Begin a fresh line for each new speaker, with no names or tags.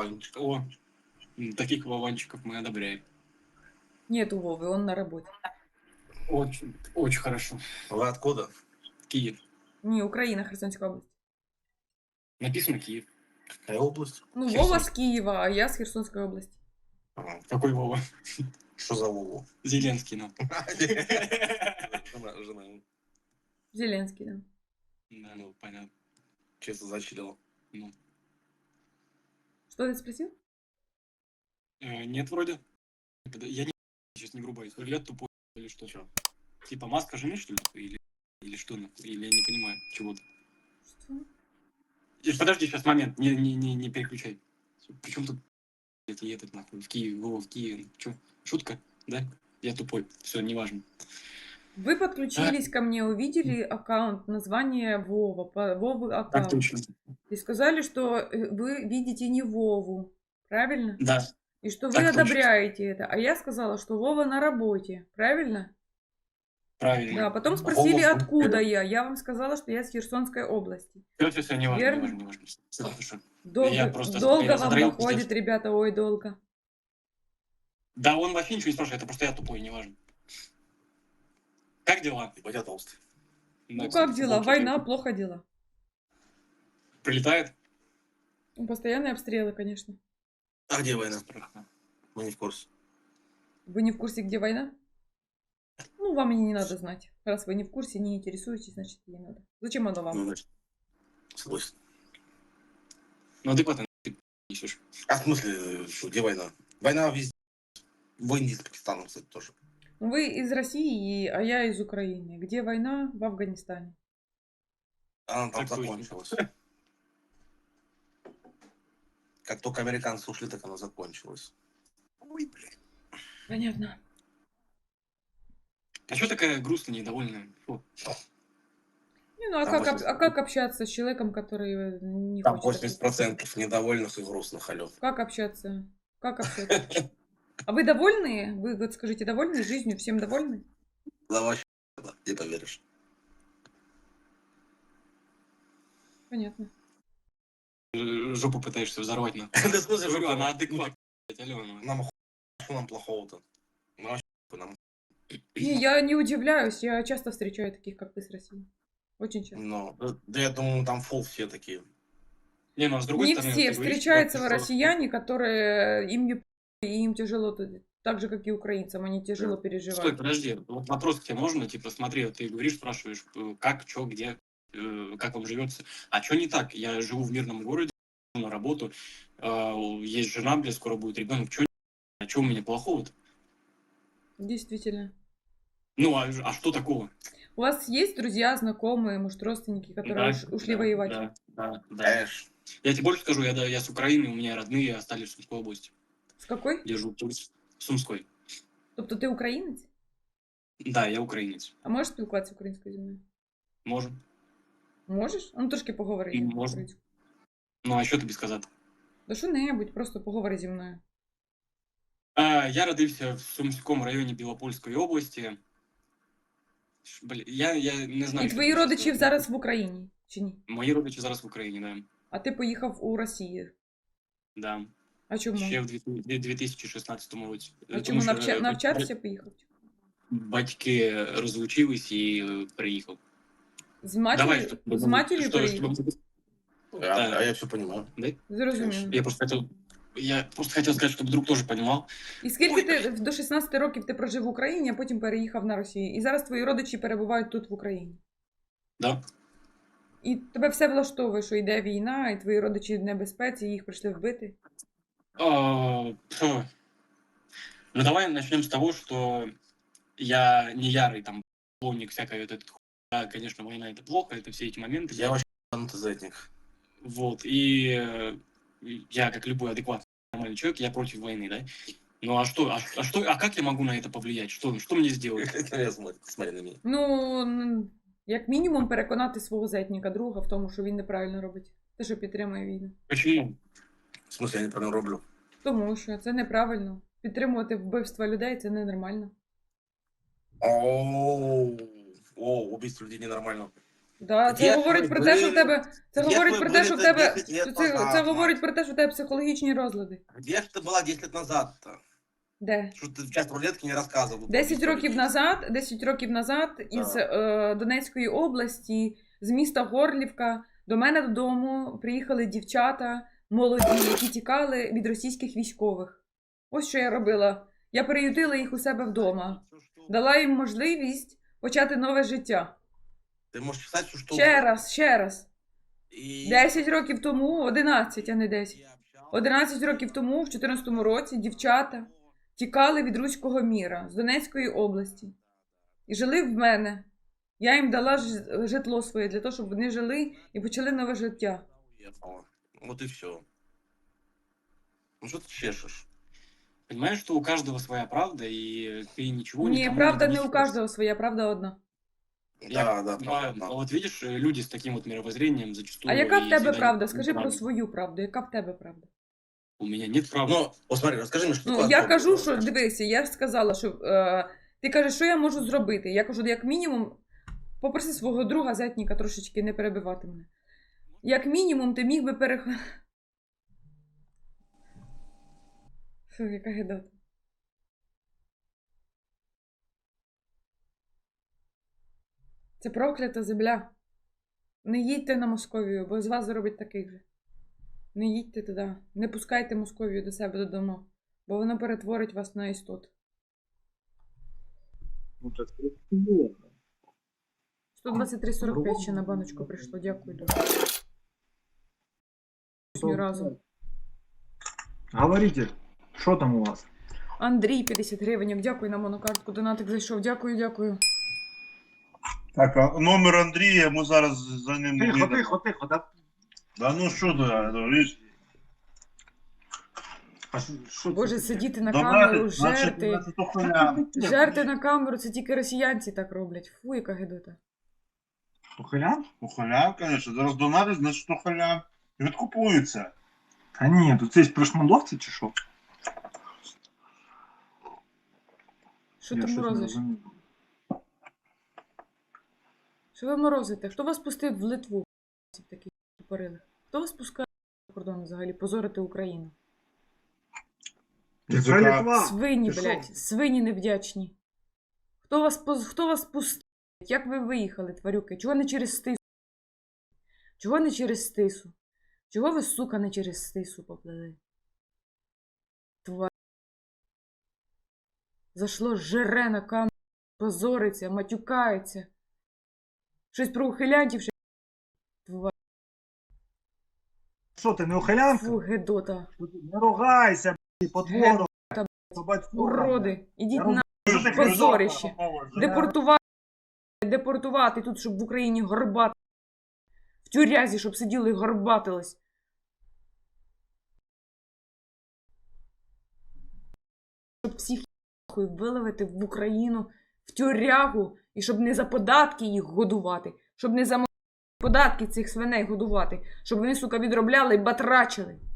Вованчик.
О, таких Вованчиков мы одобряем.
Нет у Вовы, он на работе.
Очень, очень хорошо.
Вы откуда?
Киев.
Не, Украина, Херсонская область.
Написано Киев.
Какая область?
Ну,
Херсон.
Вова с Киева, а я с Херсонской области.
Ага.
Какой Вова?
Что за Вову?
Зеленский, ну.
Жена.
Зеленский, да.
Да, ну, понятно.
Честно зачилила.
Ну.
Что ты спросил?
Нет, вроде. Я не сейчас не врубаюсь. Взгляд тупой или что?
Чё?
Типа маска жены, что ли? Или что? Или я не понимаю чего-то.
Что?
Подожди, сейчас момент. Не переключай. Причем тут этот нахуй? В Киеве, Вова, в Киеве. Че? Шутка? Да? Я тупой. Все, неважно.
Вы подключились ко мне, увидели аккаунт, название Вова, Вовы
Так
аккаунт.
точно.
И сказали, что вы видите не Вову, правильно?
Да.
И что вы
Так точно.
одобряете это. А я сказала, что Вова на работе, правильно?
Правильно.
Да, потом спросили,
Вова,
откуда я. Я вам сказала, что я с Херсонской области.
Все, неважно,
Верно?
неважно. Всё хорошо.
Долго,
Я просто
долго
я
вам
задраю,
доходит,
пиздец.
ребята, ой, долго.
Да, он вообще ничего не спрашивает, это просто я тупой, неважно. Как дела?
Ебать, я толстый.
Да,
Ну
кстати,
как дела?
футболки
Война,
эти.
плохо дела.
Прилетает?
Ну, постоянные обстрелы, конечно.
А где война?
Страшно.
Мы не в курсе.
Вы не в курсе, где война? Ну, вам и не надо знать. Раз вы не в курсе, не интересуетесь, значит, не надо. Зачем оно вам?
Ну, значит, согласен.
Ну, адекватно ты несешь.
А в смысле, что, где война? Война везде. В Индии с Пакистаном, кстати, тоже.
Вы из России, а я из Украины. Где война? В Афганистане.
Она там
Так точно.
закончилась. Как только американцы ушли, так она закончилась. Ой, блядь.
Понятно.
А что такая грустная, недовольная? Фу.
Не, ну а
Там
как общаться с человеком, который не
Там
хочет общаться?
80% недовольных и грустных, алё.
Как общаться? Как общаться? А вы довольны? Вы вот скажите, довольны жизнью? Всем довольны?
Да вообще, да, не поверишь.
Понятно.
Жопу пытаешься взорвать, на.
Да в смысле,
Говорю,
жопу?
она адекватная, Алена.
Нам что нам плохого-то? Ну, вообще, нам...
Не, я не удивляюсь. Я часто встречаю таких, как ты, с России. Очень часто.
Ну, да я думаю, там фол все такие.
Не, ну а с другой
Не
стороны,
все.
ты говоришь,
Встречаются
что-
россияне, которые им не и им тяжело, так же, как и украинцам, они тяжело
Стой,
переживают.
подожди. Вот вопрос к тебе можно? Типа, смотри, вот ты говоришь, спрашиваешь, как, что, где, как вам живется. А что не так? Я живу в мирном городе, на работу, есть жена, блядь, скоро будет ребенок. Что у меня плохого-то?
Действительно.
Ну, а что такого?
У вас есть друзья, знакомые, может, родственники, которые ушли воевать?
Да.
Конечно.
Я тебе больше скажу, я с Украины, у меня родные остались в Сумской области.
З какой?
Я живу в Сумской.
Тобто ти українець?
Да, я українець.
А можеш спілкуватися українською зі мною?
Можу.
Можеш? А ну трошки поговори.
Можу.
українською.
Ну, а що тобі сказати?
Да що-небудь, просто поговори зі мною.
Я родився в Сумському районі Білопольської області. Блін, я не знаю.
І
що
твої
тобі
родичі
сказати.
зараз в Україні, чи ні?
Мої родичі зараз в Україні, да.
А ти поїхав у Росію.
Да.
А чому?
Ще в 2016 році.
А чому
Тому що,
навчатися поїхав?
батьки розлучились і приїхав.
З матір'ю? З матір'ю переїхав?
А я все понимаю.
Зрозуміло.
Я просто хотел сказать, чтобы друг тоже понимал.
І скільки ти до 16 років ти прожив в Україні, а потім переїхав на Росію? І зараз твої родичі перебувають тут в Україні?
Да.
І тебе все влаштовує, що йде війна, і твої родичі в небезпеці, і їх прийшли вбити?
Ну, давай начнем с того, что я не ярый там поклонник всякой вот этой хуйни. Да, конечно, война это плохо, это все эти моменты.
Я вообще антизетник.
Вот, и я, как любой адекватный нормальный человек, я против войны, да? Ну а что, а как я могу на это повлиять? Что мне сделать?
Смотри на меня.
Ну, як мінімум, переконати свого зетніка, друга в тому, що він неправильно робить. Те, що підтримує війну.
Почему?
В смысле, я неправильно роблю?
Тому що це неправильно. Підтримувати вбивства людей – це ненормально.
О, убийство людей ненормально.
Да, це
Де
говорить
ви
про те, що в
були?
тебе. Це
Де
говорить
ви
про те,
були
що в
це
тебе.
10 лет
Це
назад,
говорить
мать?
про те, що в тебе психологічні розлади.
Где ж ты была 10 лет назад-то?
Де?
Что ты в часть рулетки не рассказывал?
10 років назад із Донецької області, з міста Горлівка, до мене додому приїхали дівчата молоді, які тікали від російських військових. Ось що я робила. Я переютила їх у себе вдома. Дала їм можливість почати нове життя.
Ты можешь писать все, что
Ще раз.
И...
10 років тому, 11, а не 10. 11 років тому, в 14-му році, дівчата тікали від руського міра з Донецької області. І жили в мене. Я їм дала житло своє для того, щоб вони жили і почали нове життя.
Уехала. Вот и все. Ну что ты чешешь?
Понимаешь, что у каждого своя правда, и ты ничего
Ні,
никому
правда
не
не у
донесешь.
кожного своя, правда одна.
Да,
А
правда.
вот видишь, люди с таким вот мировоззрением зачастую...
А яка в
и
тебе
всегда
правда?
не
Скажи про
правы.
свою правду. Яка в тебе правда?
У меня нет правды.
Ну, вот смотри, расскажи мне, что
Ну,
такое
я
Антон,
кажу, що
расскажи.
дивися, я ж сказала, що ти кажеш, що я можу зробити. Я кажу, як мінімум, попроси свого друга зятніка трошечки не перебивати мене. Як мінімум, ти міг би Фу, яка гидота. Це проклята земля. Не їдьте на Московію, бо з вас зробить таких же. Не їдьте туди. Не пускайте Московію до себе додому, бо вона перетворить вас на істот.
Ну, так було.
123,45 ще на баночку прийшло. Дякую дуже. Ні разу.
Говорите, що там у вас?
Андрій, 50 гривень. Дякую на монокартку. Донатик зайшов. Дякую.
Так, а номер Андрія, ми зараз за ним не
Тихо,
йдемо.
тихо, да?
Да ну що ти, говориш?
А що це
Боже,
таке?
сидіти на камеру, жерти.
Значить, то хуйня.
Жерти на камеру, це тільки росіянці так роблять. Фу, яка гидота.
Ухилян?
Ухилян, конечно. Зараз донатить, значить ухилян. Відкупується.
Та ні, тут це прошмандовці чи що?
Що
Я
ти
щось не
морозиш?
розумію.
Що ви морозите? Хто вас пустив в Литву? Такі тупорили. Хто вас пускає за кордон взагалі? Позорити Україну?
Яка Литва?
Свині,
Ти що?
блядь, свині невдячні. Хто вас пустив? Як ви виїхали, тварюки? Чого не через Стису? Чого не через Стису? Чого ви, сука, не через Стису поплили? Тварь. Зашло жере на камеру, позориться, матюкається. Щось про ухилянтів ще. Тварь.
Що ти, не ухилянка?
Фу, гедота.
Не ругайся, потворо.
Уроди. Ідіть
Я
на
Що ти
позорище.
кризова?
Депортувати тут, щоб в Україні горбати. В тюрязі, щоб сиділи і горбатились. Щоб всіх нахуй виловити в Україну, в тюрягу, і щоб не за податки їх годувати, щоб не за податки цих свиней годувати, щоб вони, сука, відробляли і батрачили.